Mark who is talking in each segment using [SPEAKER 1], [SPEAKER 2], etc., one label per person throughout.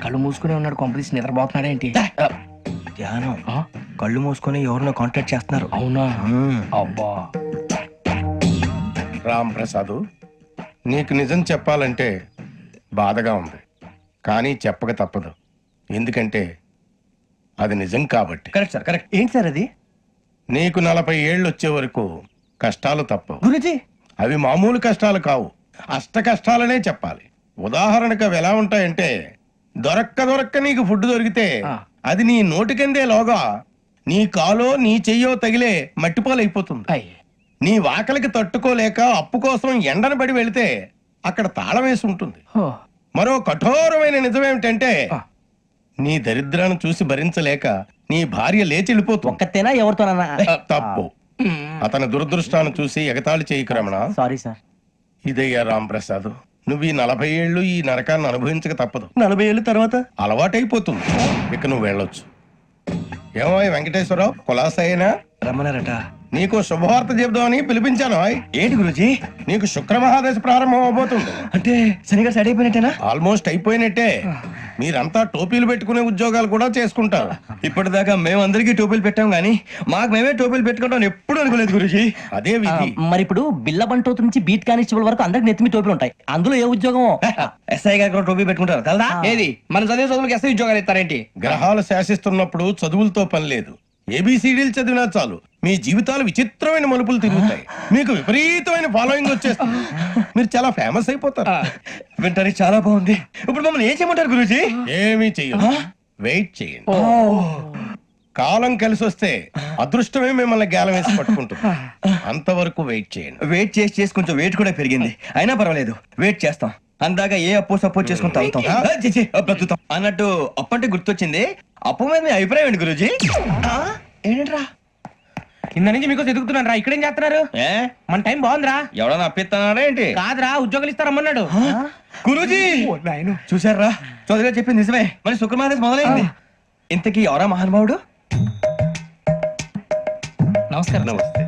[SPEAKER 1] కళ్ళు మూసుకునే ఉన్నాడు, కొంపదీసి నిద్రపోతున్నాడు ఏంటి?
[SPEAKER 2] ధ్యానం. కళ్ళు మూసుకొని ఎవరినో కాంటాక్ట్ చేస్తున్నారు.
[SPEAKER 1] అవునా? అబ్బా.
[SPEAKER 3] రామ్ ప్రసాద్, నీకు నిజం చెప్పాలంటే బాధగా ఉంది, కానీ చెప్పక తప్పదు. ఎందుకంటే అది నిజం కాబట్టి.
[SPEAKER 2] Correct sir, correct. ఏంటి సార్ అది?
[SPEAKER 3] నీకు 40 ఏళ్ళు వచ్చే వరకు కష్టాలు తప్పవు
[SPEAKER 2] గురుజీ.
[SPEAKER 3] అవి మామూలు కష్టాలు కావు, అష్ట కష్టాలనే చెప్పాలి. ఉదాహరణకు అవి ఎలా ఉంటాయంటే, దొరక్క నీకు ఫుడ్ దొరికితే అది నీ నోటికందే లోగా నీ కాలో నీ చెయ్యో తగిలే మట్టిపాలైపోతుంది. నీ వాకలికి తట్టుకోలేక అప్పు కోసం ఎండను పడి వెళితే అక్కడ తాళం వేసి ఉంటుంది. మరో కఠోరమైన నిజమేమిటంటే, నీ దరిద్రాన్ని చూసి భరించలేక నీ భార్య లేచి వెళ్ళిపోతుంది.
[SPEAKER 2] ఒక్కతేనా ఎవరితోనన్నా?
[SPEAKER 3] తప్పు. అతని దురదృష్టాన్ని చూసి ఎగతాళి చేయకు రమణ.
[SPEAKER 2] Sorry sir.
[SPEAKER 3] ఇదయ్యా రాంప్రసాద్, నువ్వు ఈ 40 ఏళ్ళు ఈ నరకాన్ని అనుభవించక తప్పదు.
[SPEAKER 2] 40 ఏళ్ళ తర్వాత
[SPEAKER 3] అలవాటైపోతుంది. ఇక నువ్వు వెళ్ళొచ్చు. ఏమో వెంకటేశ్వరరావు, కులాసైనా
[SPEAKER 2] రమ్మన్నారట.
[SPEAKER 3] నీకు శుభవార్త చెబుదామని పిలిపించాను.
[SPEAKER 2] ఏంటి గురుజీ?
[SPEAKER 3] నీకు శుక్రమహాదశ ప్రారంభం అవబోతుంది.
[SPEAKER 2] అంటే శనిగా సెట్ అయిపోయినట్టేనా?
[SPEAKER 3] ఆల్మోస్ట్ అయిపోయినట్టే. మీరంతా టోపీలు పెట్టుకునే ఉద్యోగాలు కూడా చేసుకుంటారు.
[SPEAKER 2] ఇప్పటిదాకా మేమందరికీ టోపీలు పెట్టాం గానీ మాకు మేమే టోపీలు పెట్టుకుంటాం ఎప్పుడు అనుకోలేదు గురుజీ.
[SPEAKER 3] అదే విధి.
[SPEAKER 4] మరి ఇప్పుడు బిల్ల బంటోతు నుంచి బీట్ కానిస్టేబుల్ వరకు అందరికి నెత్తిమి టోపీలు ఉంటాయి. అందులో ఏ ఉద్యోగం?
[SPEAKER 2] ఎస్ఐ గారు కూడా టోపీ పెట్టుకుంటారు కదా?
[SPEAKER 1] ఏది మన చదివే చదువులకు ఎస్ఐ ఉద్యోగాలు ఇస్తారేంటి?
[SPEAKER 3] గ్రహాలు శాసిస్తున్నప్పుడు చదువులతో పని లేదు. ఏబిసిడీలు చదివినా చాలు మీ జీవితాలు విచిత్రమైన మలుపులు తిరుగుతాయి. మీకు విపరీతమైన ఫాలోయింగ్ వచ్చేస్తుంది. మీరు చాలా ఫేమస్ అయిపోతారు.
[SPEAKER 2] వింటానికి చాలా బాగుంది. ఇప్పుడు మమ్మల్ని ఏం చేయమంటారు గురూజీ?
[SPEAKER 3] ఏమీ చెయ్యదు, వెయిట్ చేయండి. కాలం కలిసి వస్తే అదృష్టమే మిమ్మల్ని గేలం వేసి పట్టుకుంటుంది. అంతవరకు వెయిట్ చేయండి.
[SPEAKER 2] వెయిట్ చేసి కొంచెం వెయిట్ కూడా పెరిగింది. అయినా పర్వాలేదు, వెయిట్ చేస్తాం. అందాక ఏ అప్పు సపోర్ట్ చేసుకుని తాగుతాం. బ్రతుకుతాం అన్నట్టు అప్పు అంటే గుర్తొచ్చింది. అప్పు మీద మీ అభిప్రాయం ఏంటి గురూజీ? ఏంటరా
[SPEAKER 1] కింద నుంచి మీకు ఎదుగుతున్నాను రా. ఇక్కడేం చేస్తున్నారు? మన టైం బాగుందిరా.
[SPEAKER 2] ఎవడన్నా అప్పిస్తున్నారా ఏంటి?
[SPEAKER 1] కాదురా, ఉద్యోగాలు ఇస్తారమ్మన్నాడు
[SPEAKER 2] గురూజీ. చూసారా, చౌదరిగా చెప్పింది నిజమే. మరి శుక్రమాదేశ్ మొదలైంది. ఇంతకీ ఎవరా మహానుభావుడు?
[SPEAKER 1] నమస్కారం.
[SPEAKER 3] నమస్తే.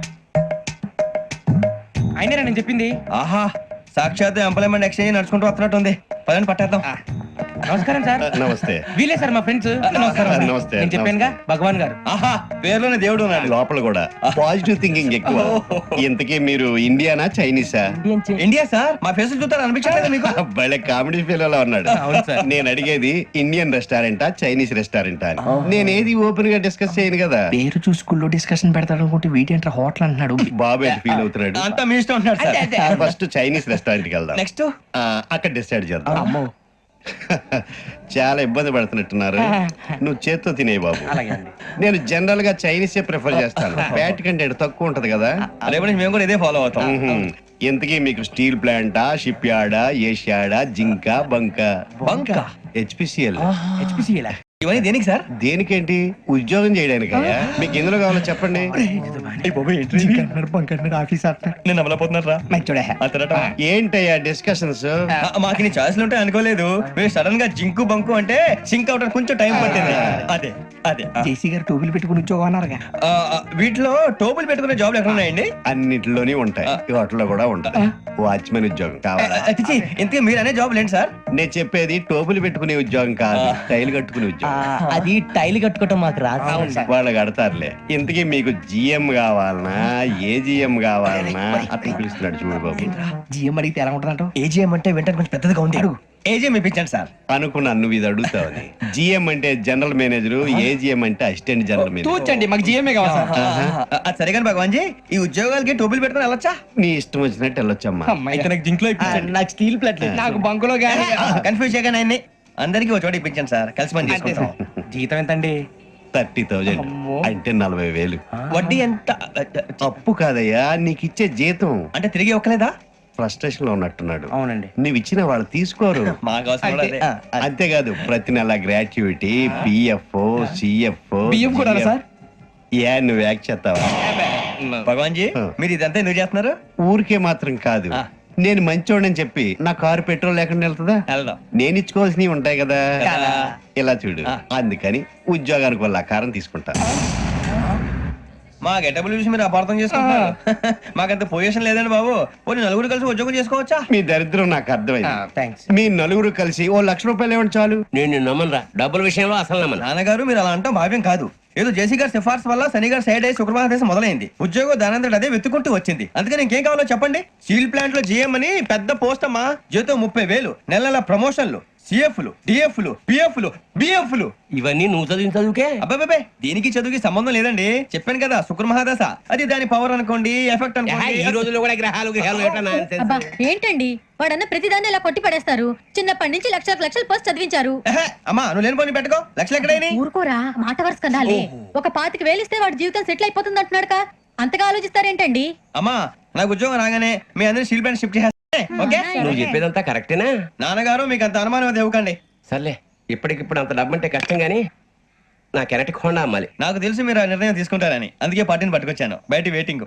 [SPEAKER 1] అయినరా నేను చెప్పింది?
[SPEAKER 2] ఆహా, సాక్షాత్ ఎంప్లాయ్మెంట్ ఎక్స్చేంజ్ నడుచుకుంటూ వస్తున్నట్టు ఉంది. పదండి పట్టేద్దాం.
[SPEAKER 1] నమస్కారం సార్.
[SPEAKER 3] నమస్తే.
[SPEAKER 1] వీలే సార్ మా ఫ్రెండ్స్. నమస్కారం.
[SPEAKER 3] నమస్తే.
[SPEAKER 1] నేను చెప్పానుగా, భగవాన్ గారు.
[SPEAKER 2] ఆహా, పేర్లోనే దేవుడు ఉన్నాడు.
[SPEAKER 5] లోపల కూడా పాజిటివ్ థింకింగ్ ఎక్కువ. ఇంతకీ మీరు ఇండియానా చైనీసా?
[SPEAKER 2] India sir. మా ఫేస్ చూస్తారు అనిపించలేదు మీకు?
[SPEAKER 5] భలే కామెడీ ఫీల్ అలా ఉన్నాడు.
[SPEAKER 1] అవును సార్.
[SPEAKER 5] నేను అడిగేది ఇండియన్ రెస్టారెంటా చైనీస్ రెస్టారెంటా అని. నేనేది ఓపెన్ గా డిస్కస్ చేయను కదా.
[SPEAKER 1] పేరు చూసి స్కూల్లో డిస్కషన్ పెడతాడు అనుకుంటే వీటేంట్రా హోటల్ అంటున్నాడు.
[SPEAKER 5] బాబు ఎట్ ఫీల్ అవుతున్నాడు.
[SPEAKER 2] అంతా మీ ఇష్టం ఉంటున్నాడు సార్.
[SPEAKER 5] ఫస్ట్ చైనీస్ రెస్టారెంట్ కి వెళ్దాం.
[SPEAKER 2] నెక్స్ట్
[SPEAKER 5] అక్కడ డిసైడ్ చేద్దాం. చాలా ఇబ్బంది పడుతున్నట్టున్నారు. నువ్వు చేత్తో తినే బాబు. నేను జనరల్ గా చైనీసే ప్రిఫర్ చేస్తాను. ఫ్యాట్ కంటెంట్ తక్కువ ఉంటది కదా.
[SPEAKER 2] రేపు నుంచి మేము కూడా ఇదే ఫాలో అవుతాం.
[SPEAKER 5] ఇంతకీ మీకు స్టీల్ ప్లాంటా, షిప్ యార్డా, ఏషియాడా, జింక, బంకా?
[SPEAKER 2] బంకా?
[SPEAKER 5] హెచ్పిసిఎల్.
[SPEAKER 1] హెచ్పిసిఎల్
[SPEAKER 2] ఇవన్నీ దేనికి సార్?
[SPEAKER 5] దేనికేంటి? ఉద్యోగం చేయడానికి. మీకు ఎందులో కావాలో చెప్పండి.
[SPEAKER 2] నేను అమలపోతున్నారా?
[SPEAKER 5] ఏంటయ్యా డిస్కషన్స్?
[SPEAKER 2] మాకు నీ ఛాయిస్లు ఉంటాయి అనుకోలేదు. మీరు సడన్ గా జింకు బంకు అంటే సింక్ అవడానికి కొంచెం టైం పట్టింది. అదే అదే
[SPEAKER 1] జేసీ గారు టోపీలు పెట్టుకుని ఉద్యోగం అన్నారుగా.
[SPEAKER 2] వీటిలో టోపులు పెట్టుకునే జాబ్లు ఎక్కడ ఉన్నాయండి?
[SPEAKER 5] అన్నిటిలోనే ఉంటాయి, వాటిలో కూడా ఉంటాయి. వాచ్మెన్ ఉద్యోగం కావాలా?
[SPEAKER 2] ఇంతకీ మీరు అనే జాబ్ ఏంటి సార్?
[SPEAKER 5] నేను చెప్పేది టోపులు పెట్టుకునే ఉద్యోగం కాదు, టైల్ కట్టుకునే ఉద్యోగం.
[SPEAKER 4] అది టైల్ కట్టుకోవటం మాకు రాదు.
[SPEAKER 5] వాళ్ళు కడతారులే. ఇంతకీ మీకు జిఎం కావాలనా, ఏజిఎం కావాలనా? అతను పిలుస్తున్నాడు చూడు బాబు.
[SPEAKER 1] జిఎం అడిగితే ఎలా ఉంటుందంట?
[SPEAKER 2] ఏజీఎం అంటే వెంటనే కొంచెం పెద్దదిగా ఉంది. ఏజీఎం ఇప్పించండి సార్.
[SPEAKER 5] అనుకున్నాను నువ్వు ఇది అడుగుతావని. జిఎం అంటే జనరల్ మేనేజర్, ఏజిఎం అంటే అసిస్టెంట్ జనరల్ మేనేజర్.
[SPEAKER 1] తూచండి, మాకు జిఎంఏ కావాలి సార్.
[SPEAKER 2] అది సరే కానీ భగవాన్ జీ, ఈ ఉద్యోగాలకి టోపులు పెట్టుకుని వెళ్ళొచ్చా?
[SPEAKER 5] నీ ఇష్టం వచ్చినట్టు వెళ్ళొచ్చమ్మా.
[SPEAKER 2] అయితే నాకు జింక్ లో
[SPEAKER 4] నాకు స్టీల్ ప్లేట్
[SPEAKER 1] నాకు బంకులో గానీ.
[SPEAKER 2] కన్ఫ్యూజ్ చేయగానే ఆయన్ని అందరికీ ఒక చోట ఇప్పించండి సార్. కలిసి పని చేసుకుంటాం.
[SPEAKER 1] జీతం ఎంతండి?
[SPEAKER 5] 30,000 అంటే 40,000.
[SPEAKER 2] వడ్డీ ఎంత?
[SPEAKER 5] అప్పు కాదయ్యా, నీకు ఇచ్చే జీతం.
[SPEAKER 2] అంటే తిరిగి ఒక్కలేదా?
[SPEAKER 5] ఫ్రస్ట్రేషన్ లో ఉన్నట్టున్నాడు.
[SPEAKER 1] అవునండి.
[SPEAKER 5] నువ్వు ఇచ్చిన వాళ్ళు తీసుకోరు.
[SPEAKER 2] మాకు అవసరం కూడా అదే.
[SPEAKER 5] అంతేకాదు ప్రతి నెల గ్రాట్యుటీ, పిఎఫ్, సిఎఫ్.
[SPEAKER 1] బియ్యం కూడా సార్?
[SPEAKER 5] ఏ నువ్వు యాక్ట్ చేస్తావా?
[SPEAKER 2] భగవాన్ జీ, మీరు ఇదంతా ఎందుకు చేస్తున్నారు?
[SPEAKER 5] ఊరికే మాత్రం కాదు, నేను మంచోడని చెప్పి నా కారు పెట్రోల్ లేకుండా వెళ్తుందా?
[SPEAKER 2] వెళ్దాం.
[SPEAKER 5] నేను ఇచ్చుకోవాల్సినవి ఉంటాయి కదా.
[SPEAKER 2] కదా.
[SPEAKER 5] ఇలా చూడు, అందుకని ఉద్యోగానికి వాళ్ళ ఆకారం తీసుకుంటా.
[SPEAKER 2] మా గెటబుల్ చూసి మీరు అపార్థం చేసుకుంటున్నారు. మాకంత పొజిషన్ లేదండి బాబు. పోనీ నలుగురు కలిసి ఉద్యోగం చేసుకోవచ్చా?
[SPEAKER 5] మీ దరిద్రం నాకు అర్థమైంది.
[SPEAKER 1] థ్యాంక్స్.
[SPEAKER 5] మీ నలుగురు కలిసి ఓ 1,00,000 రూపాయలు ఇవ్వండి చాలు.
[SPEAKER 6] నేను నమ్మనరా, డబ్బుల విషయంలో అసలు నమ్మను.
[SPEAKER 2] నాన్నగారు మీరు అలా అంటాం భావ్యం కాదు. ఏదో జేసీ గారి సిఫార్సు వల్ల శని గారు సైడ్ అయ్యి శుక్రవారం దేశం మొదలైంది. ఉద్యోగం దానంతటి అదే వెతుకుంటూ వచ్చింది. అందుకని ఇంకేం కావాలో చెప్పండి. స్టీల్ ప్లాంట్ లో జీఎం అని పెద్ద పోస్ట్ అమ్మా. జీతం 30,000, నెల నెల ప్రమోషన్లు, సిఎఫ్లు, డిఎఫ్లు, పిఎఫ్లు, బిఎఫ్లు.
[SPEAKER 6] ఇవన్నీ నువ్వు చదివిన చదువుకే.
[SPEAKER 2] అబ్బాబే దీనికి చదువుకి సంబంధం లేదండి. చెప్పాను కదా శుక్ర మహాదశ. అది దాని పవర్ అనుకోండి, ఎఫెక్ట్
[SPEAKER 6] ఈ
[SPEAKER 2] అనుకోండి.
[SPEAKER 6] రోజుల్లో కూడా గ్రహాలు ఏటా nonsense?
[SPEAKER 7] అబ్బా ఏంటండి వాడన్న ప్రతిదాన్ని ఇలా కొట్టి పడేస్తారు. చిన్నప్పటి నుంచి లక్షలు పోస్ట్ చదివించారు.
[SPEAKER 2] ఎహె, అమ్మా నువ్వు లేని పోనీ పెట్టుకో. లక్షలు ఎక్కడైనా
[SPEAKER 7] ఊరుకోరా, మాట వరుస కదాలే. ఒక 25,000 ఇస్తే వాడి జీవితం సెటిల్ అయిపోతుంది అంటున్నాడుగా. అంతగా ఆలోచిస్తారేంటండి?
[SPEAKER 2] అమ్మా నాకు ఉద్యోగం రాగానే మీ అందరి స్టీల్ ప్లాంట్ షిఫ్ట్ చేస్తే ఓకే.
[SPEAKER 6] నువ్వు చెప్పేదంతా కరెక్టేనా?
[SPEAKER 2] నాన్నగారు మీకు అంత అనుమానం అది ఇవ్వకండి.
[SPEAKER 6] సర్లే, ఇప్పటికిప్పుడు అంత డబ్బు అంటే కష్టం గానీ నా కెనటిక్ హోండా అమ్మాలి.
[SPEAKER 2] నాకు తెలిసి మీరు ఆ నిర్ణయం తీసుకుంటారని అందుకే పార్టీని పట్టుకొచ్చాను. బయట వెయిటింగ్.